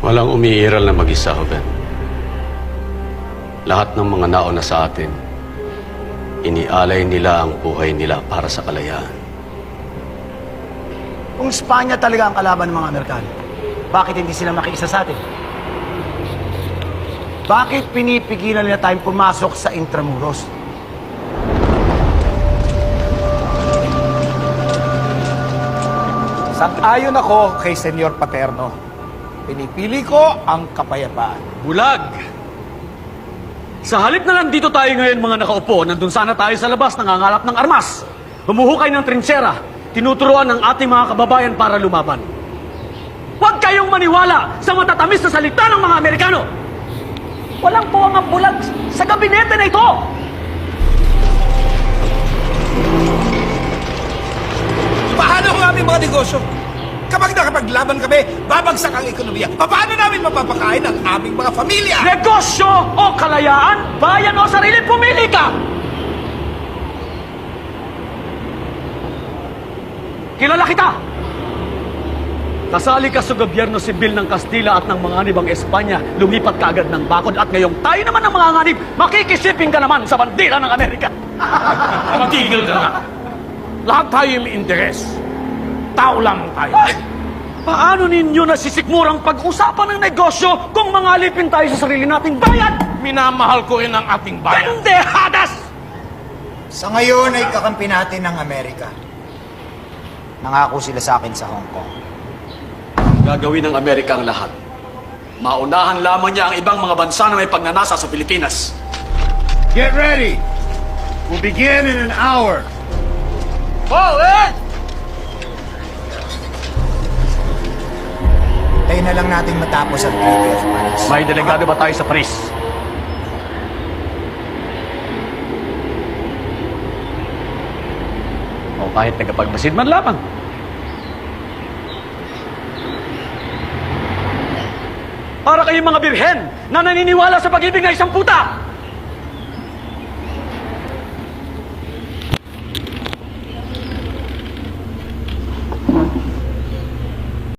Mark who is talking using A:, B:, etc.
A: Walang umiiral na mag-isa, Hoben. Lahat ng mga nauna sa atin, inialay nila ang buhay nila para sa kalayaan.
B: Kung Espanya talaga ang kalaban ng mga Amerikano, bakit hindi sila makiisa sa atin? Bakit pinipigilan nila tayong pumasok sa Intramuros?
C: Sang-ayon ako kay Senyor Paterno. Pinipili ko ang kapayapaan.
D: Bulag! Sa halip na nandito tayo ngayon mga nakaupo, nandun sana tayo sa labas nangangalap ng armas. Humuhukay ng trinsyera, tinuturuan ng ating mga kababayan para lumaban. Huwag kayong maniwala sa matatamis na salita ng mga Amerikano! Walang puwang ang bulag sa gabinete na ito!
C: Paano ang aming mga negosyo? Kapag nakapaglaban kami, babagsak ang ekonomiya. Paano namin mapapakain ang aming mga pamilya?
D: Negosyo o kalayaan, bayan o sarili, pumili ka! Kilala kita! Kasali ka sa gobyerno sibil ng Kastila at ng mga nibang Espanya, lumipat ka agad ng bakod at ngayong tayo naman ng mga nganib, makikisiping ka naman sa bandila ng Amerika.
E: Magtigil ka na. Lahat tayo may interes. Tao lamang tayo.
D: Ay, paano ninyo nasisikmurang pag-usapan ng negosyo kung mangalipin tayo sa sarili nating bayan?
E: Minamahal ko rin ang ating bayan.
D: Pendehadas!
B: Sa ngayon ay kakampi natin ng Amerika. Nangako sila sa akin sa Hong Kong.
D: Gagawin ng Amerika ang lahat. Maunahan lamang niya ang ibang mga bansa na may pagnanasa sa Pilipinas.
C: Get ready! We'll begin in an hour.
B: Tayo na lang natin matapos ang Treaty of Paris.
D: May delegado ba tayo sa Paris? O kahit nagapagmasid man lamang. Para kayong mga birhen na naniniwala sa pag-ibig na isang puta!